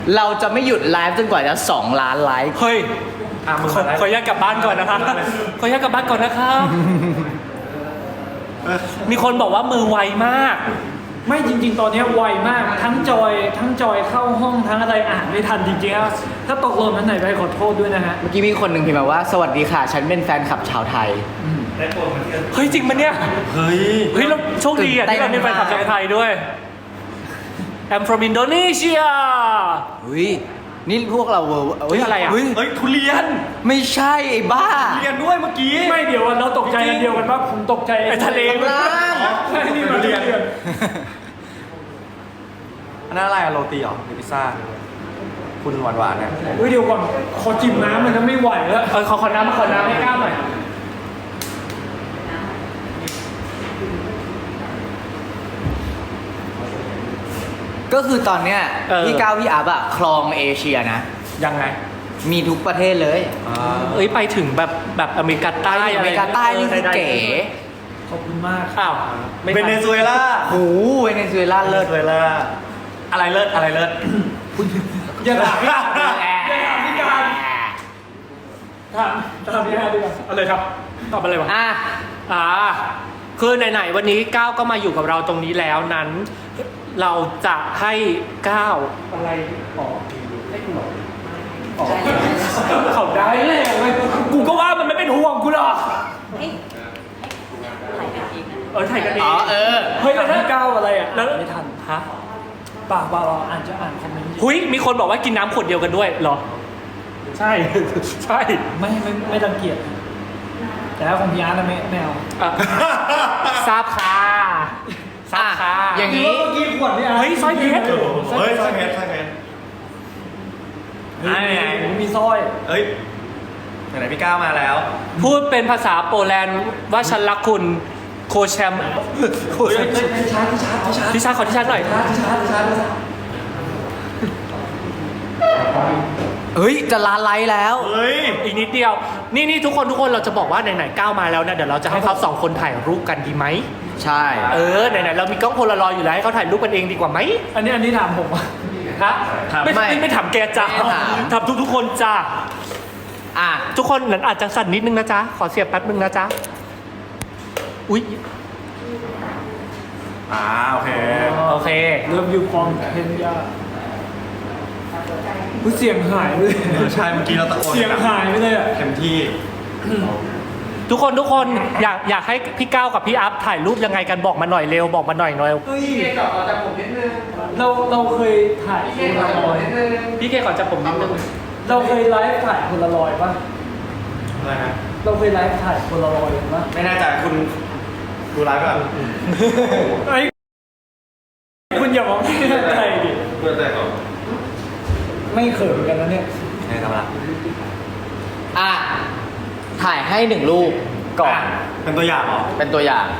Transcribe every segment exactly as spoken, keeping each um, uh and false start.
เราจะไม่หยุดไลฟ์จนกว่าจะสองล้านไลค์เฮ้ยอ่ะมึงขอขออนุญาตกลับบ้านก่อนนะคะขออนุญาตกลับบ้านก่อนนะคะมีคนบอกว่ามือไวมากไม่จริง ๆ ตอนนี้ไวมากทั้งจอยทั้งจอยเข้าห้องทั้งอะไรอ่านไม่ทันจริงๆถ้าตกหล่นนั้นไหนไปขอโทษด้วยนะฮะเมื่อกี้มีคนหนึ่งพิมพ์มาว่าสวัสดีค่ะ ฉันเป็นแฟนคลับชาวไทยเฮ้ยจริงปะเนี่ยเฮ้ยเฮ้ยเราโชคดีอ่ะที่เราได้ไปขับจากไทยด้วย I'm from Indonesia เฮ้ยนี่พวกเราเวอร์เฮ้ยอะไรอ่ะเฮ้ยเฮ้ยทุเรียนไม่ใช่ไอ้บ้าทุเรียนด้วยเมื่อกี้ไม่เดี๋ยวเราตกใจกันเดียวกันว่าผมตกใจไอ้ทะเลล่างใช่นี่มันเรียนอันนั้นอะไรอะโรตีเหรอหรือพิซซ่า คุณหวานหวานๆเนี่ยเฮ้ยเดี๋ยวก่อนขอจิ้มน้ำมันจะไม่ไหวแล้วเออขอขอน้ำมาขอน้ำให้ก้าวหน่อยก็คือตอนเนี้ยพี่ก้าวพี่อัพอะครองเอเชียนะยังไงมีทุกประเทศเลยอ่าเอ้ยไปถึงแบบแบบอเมริกาใต้อเมริกาใต้นี่คือเก๋ขอบคุณมากอ้าวไม่เวทันเนซุเอลาโอ้โหเวเนซุเอลาเลิเลิศศเวลาอะไรเลิศอะไรเลิศอย่าถามพี่การอย่าถามพี่การถามถามพี่การดีกว่าอะไรครับตอบอะไรวะอ่ะอ่าคือไหนๆวันนี้ก้าวก็มาอยู่กับเราตรงนี้แล้วนั้น เราจะให้ก้าวอะไรอ๋อให้กูหรออ๋อเขาได้เลยกูก็ว่ามันไม่เป็นห่วงกูหรอกเฮ้ยถ่ายกันเองนะเออถ่ายกันเออ๋อง เออเฮ้ยแล้วถ้าก้าวอะไรอ่ะแล้วไม่ทันฮะปากเปล่าๆอ่านจะอ่านคอมเมนต์หุยมีคนบอกว่ากินน้ำขวดเดียวกันด้วยเหรอ ใช่ ใช่ไม่ไม่ไม่รังเกียจแต่ถ้าของพี่อาร์ตนะไม่ไม่เอาอ่ะทราบค่ะทราบค่ะอ่ะอย่างนี้เมื่อกี้ขวดพี่อาร์ตเฮ้ยสร้อยเพชรเฮ้ยสร้อยเพชรสร้อยเพชรเฮ้ยผมมีสร้อยเฮ้ยไหนๆพี่ก้าวมาแล้วพูดเป็นภาษาโปแลนด์ว่าฉันรักคุณโคแชมป์โคแชมป์ที่ชาร์จที่ชาร์จที่ชาร์จที่ชาร์จขอที่ชาร์จหน่อยที่ชาร์จที่ชาร์จที่ชาร์จเฮ้ย จะล้านไลค์แล้วเฮ้ยอีกนิดเดียว นี่นี่ทุกคนทุกคนเราจะบอกว่าไหนๆก้าวมาแล้วนะเดี๋ยวเราจะให้เขาสองคนถ่ายรูปกันดีไหมใช่เออไหนๆเรามีกล้องโพลารอยด์อยู่แล้วให้เขาถ่ายรูปกันเองดีกว่าไหมอันนี้อันนี้ถามผมอ่ะฮะถามไม่ไม่ไม่ไม่ถามแกจ้าไม่ถามถามทุกทุกๆคนจ้าอ่ะทุกคนนั้นอาจจะสั่นนิดนึงนะจ๊ะขอเสียบแป๊บนึงนะจ๊ะอุ๊ยอ่าโอเคโอเคเริ่มอยู่ฟองเพนยาเสียงหายไปเลยเออใช่เมื่อกี้เราตะโกนเสียงหายไปเลยอ่ะเต็มที่ทุกคนทุกคนอยากอยากให้พี่ก้าวกับพี่อัพถ่ายรูปยังไงกันบอกมาหน่อยเร็วบอกมาหน่อยหน่อยเฮ้ยเราเราเคยถ่ายโพลารอยด์พี่เคขอจับผมนิดนึงเราเคยไลฟ์ถ่ายโพลารอยด์ป่ะอะไรนะเราเคยไลฟ์ถ่ายโพลารอยด์ป่ะไม่แน่ใจคุณดูไลฟ์ก่อนไอ้คุณอย่ามองไม่แน่ใจดิเพื่อใจก่อนไม่เขินกันนะเนี่ยไงทำละอ่ะ ถ่ายให้หนึ่งรูปก่อนเป็นตัวอย่างเหรอเป็นตัวอย่าง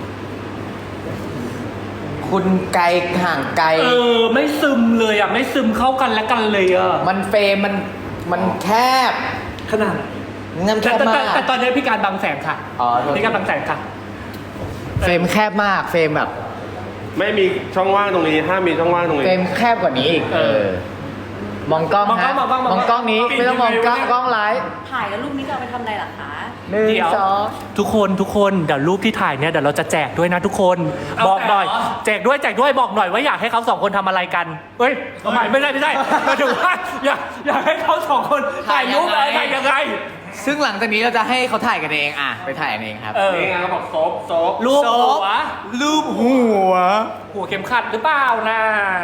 คุณไกลห่างไกลเออไม่ซึมเลยอ่ะไม่ซึมเข้ากันและกันเลยอ่ะมันเฟรมมัน มันแคบขนาดน้ำแคแต่บแต่มาแต่กแต่ตอนนี้พี่การบังแสงค่ะอ๋อโทษพี่การบังแสงค่ะเฟรมแคบมาก เฟรมแบบไม่มีช่องว่างตรงนี้ห้ามมีช่องว่างตรงเฟรนี้มแคบกว่านี้อีก เออ มองกล้องมองกล้องฮะมองกล้องมองกล้องมองกล้องนี้ปิดไม่ต้องมองกล้องยังไงวะเนี่ยกล้องไลฟ์ถ่ายแล้วรูปนี้จะเอาไปทำอะไรล่ะคะหนึ่งเดี๋ยวสองทุกคนทุกคนเดี๋ยวรูปที่ถ่ายเนี่ยเดี๋ยวเราจะแจกด้วยนะทุกคนเอาบอกหน่อยแจกเหรอแจกด้วยแจกด้วยบอกหน่อยว่าอยากให้เขาสองคนทำอะไรกันเฮ้ยไม่ไม่ได้ไม่ได้หมายถึงว่าอยากอยากให้เขาสองคนถ่ายรูปอะไรถ่ายยังไงซึ่งหลังจากนี้เราจะให้เขาถ่ายกันเอง อ่ะ ไปถ่ายกันเองครับเออนี่ไงเขาบอกซบซบรูปหัวรูปหัวหัวเข็มขัดหรือเปล่านะ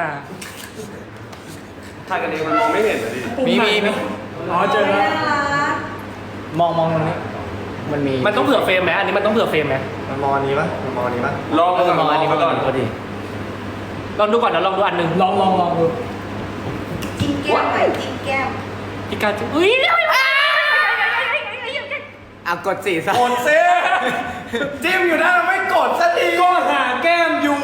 ถ่ายกันเองมันมองไม่เห็นเลยดิมีมีมีอ๋อเจอแล้วมองมองตรงนี้ มันมีมันต้องเผื่อเฟรมไหมอันนี้มันต้องเผื่อเฟรมไหมมันมองอันนี้ปะมันมองอันนี้ปะลองเออก่อนมองอันนี้ลมาองก่ก่ออน นพอดีลองดูก่อนนะลองดูอันหนึ่งลองลองลองดูจิ้มแก้มหน่อยจิ้มแก้มพี่การจะอุ้ยอ่ะกดสี่ซะกดซิจิ้มอยู่นะเราไม่กดสักทีก็หาแก้มอยู่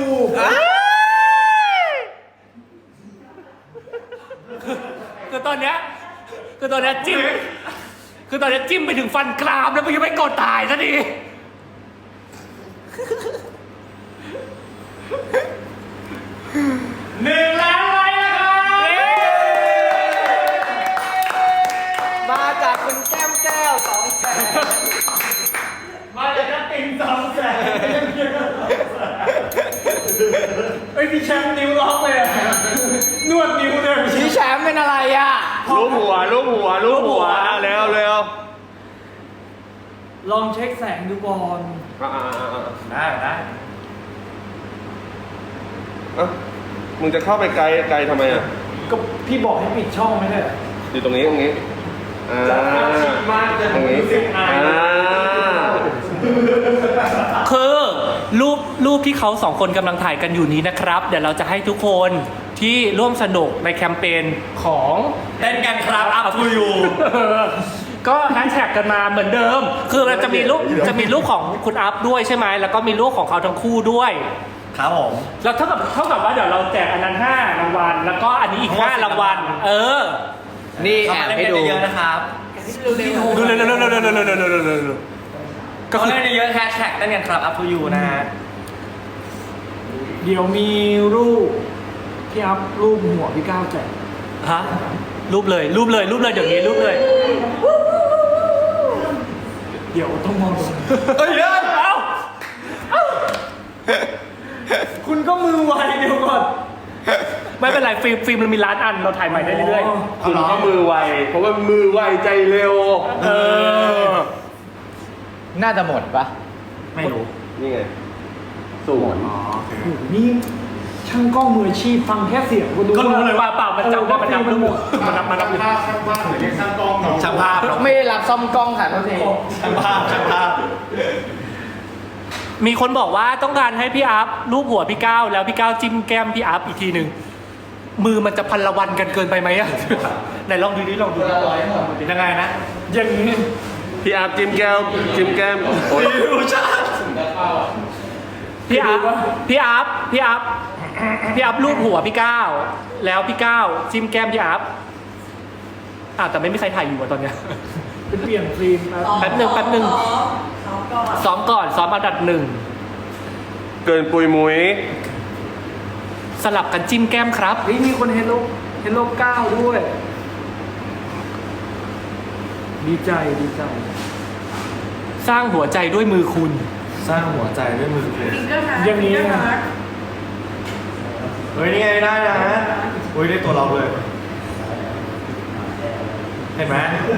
คือตอนเนี้ยคือตอนเนี้ยจิ้มคือตอนเนี้ยจิ้มไปถึงฟันกรามแล้วมันยังไม่กดตายซะทีหนึ่งล้านไลค์นะครับเป็นอะไรอ่ะรูปหัวรูปหัวรูปหัวอ่ะเร็วเร็วลองเช็คแสงดูก่อนอ่าอ่าอ่าอ่าได้ได้เอ้ามึงจะเข้าไปไกลไกลทำไมอ่ะก็พี่บอกให้ปิดช่องไม่ใช่เหรออยู่ตรงนี้ตรงนี้อ่าจะเอาชิดมากจะตรงนี้รู้สึกอายอ่าคือรูปรูปที่เขาสองคนกำลังถ่ายกันอยู่นี้นะครับ เดี๋ยวเราจะให้ทุกคนที่ร่วมสนุกในแคมเปญของเต้นกันครับ up to you ก็แฮชแท็กกันมาเหมือนเดิม คือมันจะมีรูปจะมีรูปของคุณอัพด้วยใช่ไหมแล้วก็มีรูปของเขาทั้งคู่ด้วยครับผมแล้วเท่ากับเท่ากับว่าเดี๋ยวเราแจกอันนั้นห้ารางวัลแล้วก็อันนี้อีกห้ารางวัลเออนี่แอบให้ดูเยอะๆนะครับดูเร็วๆๆๆๆๆๆๆก็ก็คือเล่นเยอะแฮชแท็กเต้นกันครับ up to you นะฮะเดี๋ยวมีรูปพี่อัพรูปหัวพี่ก้าวแจกฮะรูปเลยรูปเลยรูปเลยเดี๋ยวนี้รูปเลยเดี๋ยวต้องมองตรงนี้เอ้ยเอ้าคุณก็มือไวเดี๋ยวก่อนไม่เป็นไรฟิล์มฟิล์มเรามีล้านอันเราถ่ายใหม่ได้เรื่อยคุณก็มือไวเพราะว่ามือไวใจเร็วๆเออน่าจะหมดปะไม่รู้นี่ไงสูงอ๋อโอเคโอ้โหนี่ช่างกล้องมืออาชีพฟังแค่เสียงก็รู้ก็รู้เลยว่าเปล่ามันจำได้มันนับมันหมดมันนับมันนับช่างภาพครับไม่ได้รับซ่อมกล้องค่ะโทษทีช่างภาพช่างภาพมีคนบอกว่าต้องการให้พี่อัพรูปหัวพี่ก้าวแล้วพี่ก้าวจิ้มแก้มพี่อัพอีกทีหนึ่งมือมันจะพันละวันกันเกินไปไหมอะไหนลองดูดิลองดูดิยังไงนะอย่างนี้พี่อาบจิ้มแก้วจิ้มแก้มโอ้ยพี่อัพพี่อัพพี่อัพพี่อัพรูปหัวพี่ก้าวแล้วพี่ก้าวจิ้มแก้มพี่อัพอ่ะแต่ไม่มีใครถ่ายอยู่อะตอนเนี้ยเป็นเปลี่ยนฟิล์มครับแป๊บหนึ่งแป๊บหนึ่ง ซ้อมก่อนซ้อมอันดับหนึ่งเกินปุยมุ้ยสลับกันจิ้มแก้มครับเฮ้ยมีคนเฮลโลเฮลโลเก้าด้วย ดีใจดีใจสร้างหัวใจด้วยมือคุณสร้างหัวใจด้วยมือคุณฟิงเกอร์ฮาร์ดอย่างนี้ฟิงเกอร์ฮาร์ดเฮ้ยนี่ไงได้นะเฮ้ยได้ตัวเราเลย เห็นไหม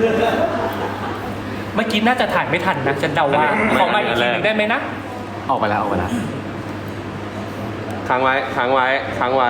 เมื่อกี้น่าจะถ่ายไม่ทันนะฉันเดาว่าขอมาอีกทีหนึงได้ไหมนะออกไปแล้วออกไปแล้วค้างไว้ค้างไว้ค้างไว้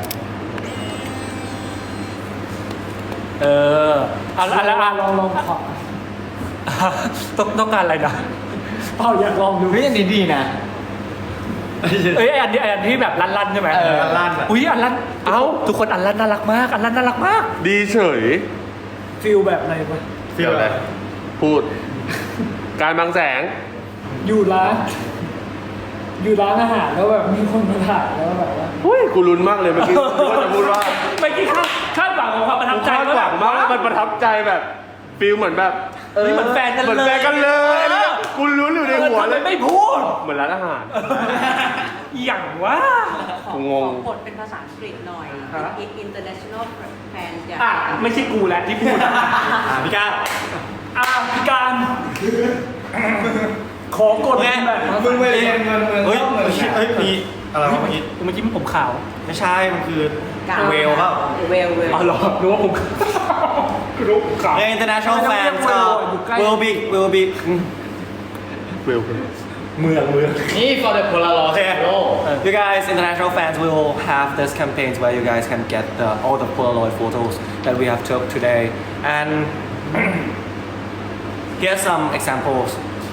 เออเอาเอาละลอ่ะองลองลองขอต้องต้องการอะไรนะเปล่าอยากลองดูเฮ้ยอันนี้ดีนะเอ้ยไอ้อันนี้ไอ้อันที่แบบลั่นๆใช่ไหมเออลั่นๆอะอุ้ยอันลั่นเอ้าทุกคนอันลั่นน่ารักมากอันลั่นน่ารักมากดีเฉยฟิลแบบอะไรปะฟีลอะไรพูด การบางแสงอยู่ร้าน อยู่ร้านอาหารแล้วแบบมีคนมาถ่ายแล้วแบบว่าเฮ้ย กูลุ้นมากเลยเมื่อกี้กูว่าจะพูดว่าเมื่อกี้คาดคาดหวังของความประทับใจคาดหวังมากว่ามันประทับใจแบบฟิลเหมือนแบบเฮ้ยเหมือนแฟนกันเลยเหมือนแฟนกันเลยอะไรเงี้ยกูลุ้นอยู่ในหัวเลยทำไมไม่พูดเหมือนร้านอาหารอย่างว่ากูงงขอบทเป็นภาษาอังกฤษหน่อยฮะเป็น international fan จากอ่ะไม่ใช่กูแหละที่พูดอ่ะพี่ก้าวอ่าพิการ ขอกดแบบมึงไปเรียนเงินเมืองเฮ้ยนอกเมืองเฮ้ยมีอะไรวะเมื่อกี้เมื่อกี้ผมขาวไม่ใช่ มันคือการเวลครับเวลเวลอ๋อเหรอรู้ว่าผมรู้ผมขาว Yeah, international fans uh, will be will be ฟิลเมืองเมืองนี่ for the Polaroid Okay. photo You guys, international fans, we will have this campaigns where you guys can get the, all the Polaroid photos that we have took today and get some examples.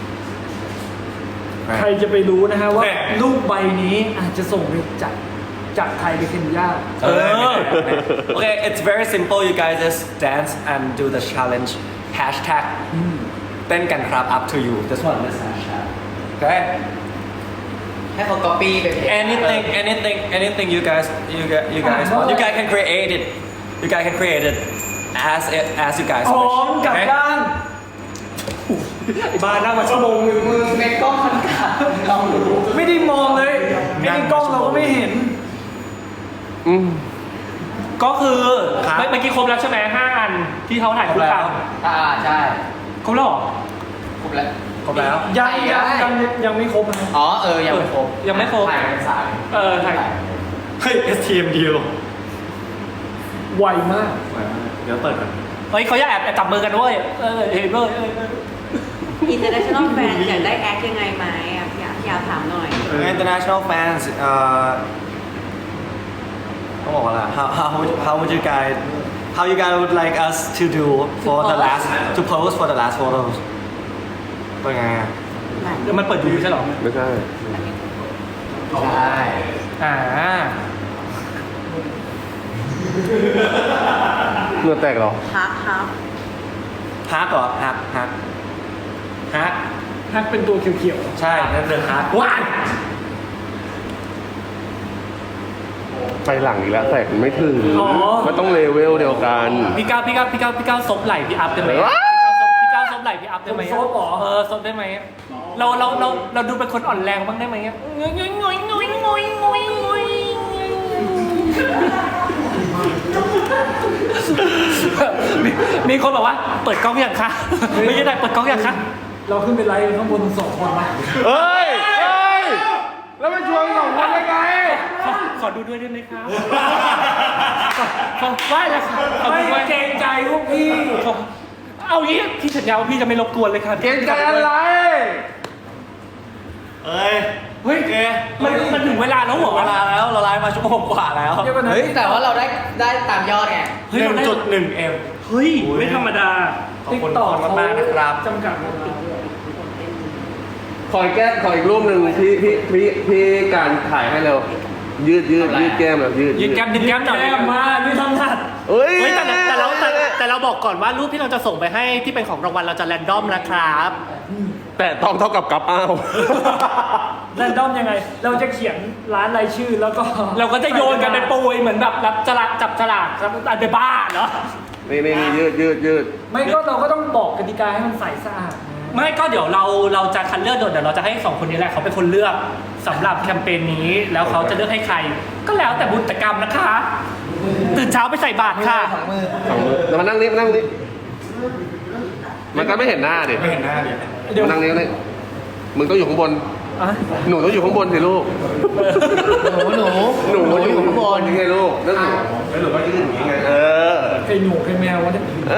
ใครจะไปรู้นะฮะว่าโอเครูปใบนี้อาจจะส่งไปจากจากไทยไปเคนยา Uh, okay, it's very simple. You guys just dance and do the challenge. Hashtag เต้นกันครับ up to you. This one, this hashtag. Okay. ให้เขา copy ไปเพจ Anything, anything, anything you guys, you guys, you guys want. You guys can create it. You guys can create it as it as you guys พร้อม wish. กลับ Okay? ด้านไอ้บ้านั่งมาชั่วโมงนึงมึงในกล้องมันขาดลองดูไม่ได้มองเลยไม่ได้กล้องเราก็ไม่เห็นอืมก็คือครับเมื่อกี้ครบแล้วใช่ไหมห้าอันที่เขาถ่ายคู่กันอ่าใช่ครบแล้วเหรอครบแล้วครบแล้วยังยังยังยังไม่ครบนะอ๋อเออยังไม่ครบยังไม่ครบถ่ายกันสายเออถ่ายเฮ้ย เอส ที เอ็ม เดียวไวมากเดี๋ยวเปิดกันเฮ้ยเขาอยากแอบแอบจับมือกันด้วยเออเห็นด้วยเออเออ international fan อยากได้แอคยังไงไหมอ่ะอยากอยากถามหน่อย international fans เอ่อต้องบอกว่าอะไร how how how would you guys how you guys would like us to do for the last to pose for the last photos เป็นไงอะเดี๋ยวมันเปิดอยู่ไม่ใช่หรอไม่ใช่ใช่อ่าเหงื่อแตกเหรอฮักฮักฮักเหรอฮักฮักฮักฮักเป็นตัวเขียวใช่นั่นเรื่องฮักว้ายไปหลังอีกแล้วแตกมันไม่ถึงๆอ๋อมันต้องเลเวลเดียวกันพี่ก้าวพี่ก้าวพี่ก้าวพี่ก้าวซบไหล่พี่อัพได้ไหมว้าพี่ก้าวซบไหล่พี่อัพได้ไหมผมซบเหรอเออซบได้ไหมเราเราเราเราดูเป็นคนอ่อนแรงบ้างได้ไหมงอยงอยงอยงอยงอยงอยงอยมีมีคนบอกว่าเปิดกล้องอย่างคะไม่ใช่ได้เปิดกล้องอย่างคะเราขึ้นไปไลฟ์ข้างบนสองคนไหมเฮ้ย เฮ้ย แล้วมันชวนสองคนได้ไงขอขอดูด้วยได้ไหมครับขอขอไหว้แล้วค่ะขอไม่ดูด้วยเกรงใจพวกพี่ขอเอางี้พี่สัญญาว่าพี่จะไม่รบกวนเลยค่ะเกรงใจอะไรเอ้ยเฮ้ยโอเคมันมันถึงเวลาแล้วเหรอเวลาแล้วเราไลฟ์มาชั่วโมงกว่าแล้วเดี๋ยวก่อนนะเฮ้ยแต่ว่าเราได้ได้ตามยอดไงเฮ้ยหเรานึ่งได้จุดหนึ่งเอ็มเฮ้ยไม่ธรรมดาขอบคุณทุกคนมากๆนะครับจำกัดเวลาด้วยขออีกแก้ขออีกรูปหนึ่งพี่พี่พี่พี่การถ่ายให้เร็ว ยืดยืดยืดแก้มแบบยืดยืนแก้มยืนแก้มหน่อยแก้มมานี่ทำทัดเฮ้ยเฮ้ยแต่แต่เราแต่แต่เราบอกก่อนว่ารูปที่เราจะส่งไปให้ที่เป็นของรางวัลเราจะแรนดอมนะครับแต่ต้องเท่ากับกับอ้าวแรนดอมยังไง เราจะเขียนร้านรายชื่อแล้วก็เราก็จะโยนกันเป็นปุยเหมือนแบบรับฉลากจับฉลากครับอันเดบ้าเนาะนี่นี่นี่ยืดยืดยืดไม่ก็เราก็ต้องบอกกติกาให้มันใสสะอาดไม่ก็เดี๋ยวเราเราจะคัดเลือกโดยเดี๋ยวเราจะให้สองคนนี้แหละเขาเป็นคนเลือกสำหรับแคมเปญนี้แล้วเขาจะเลือกให้ใคร ก็แล้วแต่บุญกรรมนะคะ ตื่นเช้าไปใส่บาตรค่ะสองมือสองมือแล้วมานั่งนี่มานั่งนี่มันก็ไม่เห็นหน้าดิไม่เห็นหน้าดิเดี๋ยวมานั่งนี่นี่มึงต้องอยู่ข้างบนอ่ะหนูต้องอยู่ข้างบนสิลูกหนูหนูหนูอยู่ข้างบนยังไงลูกนั่นหนูแล้วหนูก็ยืนอย่างนี้ไง เออใครหนูใครแมววะเนี่ยเอ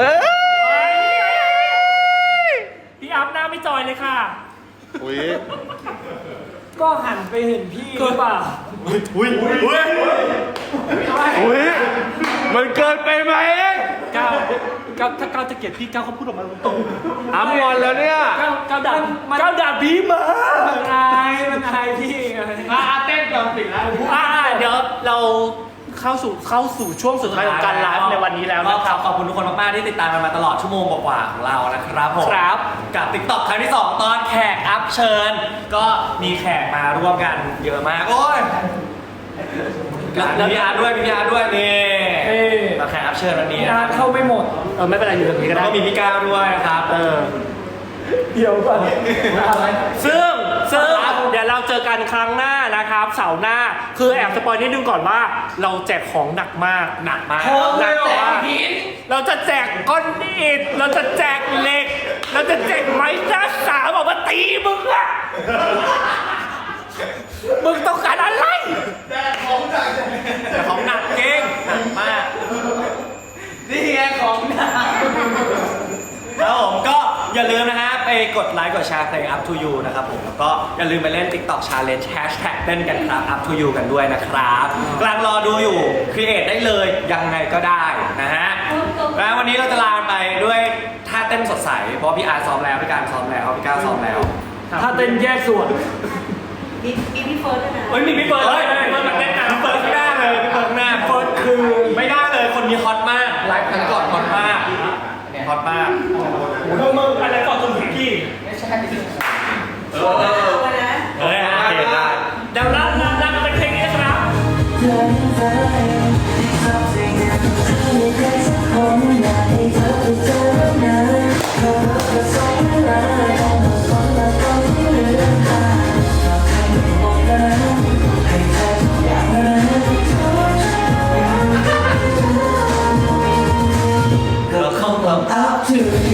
อพี่อัพหน้าไม่จอยเลยค่ะอุ้ยก็หันไปเห็นพี่หรือเปล่าอุ้ยอุ้ยอุ้ยอุ้ยมันเกินไปไหมก้าวก้าวถ้าก้าวจะเกลียดพี่ก้าวเขาพูดออกมาตรงอ้ำงอนแล้วเนี่ยๆก้าวก้าวด่ามันก้าวด่าพี่มามันอายมันอายพี่ไงอ่าเต้นก่อนสิแล้วอ่าเดี๋ยวเราเข้าสู่เข้าสู่ช่วงสุดท้ายของการไลฟ์ในวันนี้แล้วก็นะขคอรับบ ขอบคุณทุกคนมากๆที่ติดตามกันมาตลอดชั่วโมงกว่าๆของเรานะครับผมครับกับ TikTok ครั้งที่สองตอนแขกอัพเชิญ ก็มีแขกมาร่วมกันเยอะมากโอ้ยแล้วมีอาร์ตด้วยมีอาร์ตด้วยนี่เอ้ยมาแขกอัพเชิญวันนี้งานะนเข้าไม่หมดเออไม่เป็นไรอยู่ตรงนี้ก็แล้วได้ก็มีพี่ก้าวด้วยนะครับเออเดี๋ยวก่อนอะไรซึ่งซึ่งเดี๋ยวเราเจอกันครั้งหน้านะครับเสาร์หน้าคือแอบสปอยนิดนึงก่อนว่า เราแจกของหนักมากหนักมากหนักมากเราจะแจกก้อนอิฐเราจะแจกเหล็ก เราจะแจกไม้หน้าสามออกมาตีมึงอะมึงต้องการอะไรแต่ของหนักเก่งหนักมากนี่ไงของหนักแล้วผมก็อย่าลืมนะฮะไปกดไลค์กดแชร์เพลง up to you นะครับผมแล้วก็อย่าลืมไปเล่น TikTok challenge hashtag เต้นกันครับ up to you กันด้วยนะครับกำลังรอดูอยู่ create ได้เลยยังไงก็ได้นะฮะแล้ววันนี้เราจะลาไปด้วยท่าเต้นสดใสเพราะพี่อาร์ซ้อมแล้วพี่การซ้อมแล้วพี่ก้าวซ้อมแล้วถ้าเต้นแยกส่วนมีมีพี่เฟิร์สด้วยนะเฮ้ยมีพี่เบิร์ดด้วยพี่เบิร์ดมาเต้นกันพี่เฟิร์สไม่ได้เลยพี่เฟิร์สหน้าเฟิร์สคือไม่ได้เลยคนนี้ฮอตมากไลฟ์ครั้งก่อนฮอตมากฮอตมากมึงมึงอะไรก่อนจนถึงพี่เออเออเอานะเออโอเคได้เดี๋ยวรันรันรันเป็นเพลงนี้นะครับเธอคงต้อง up to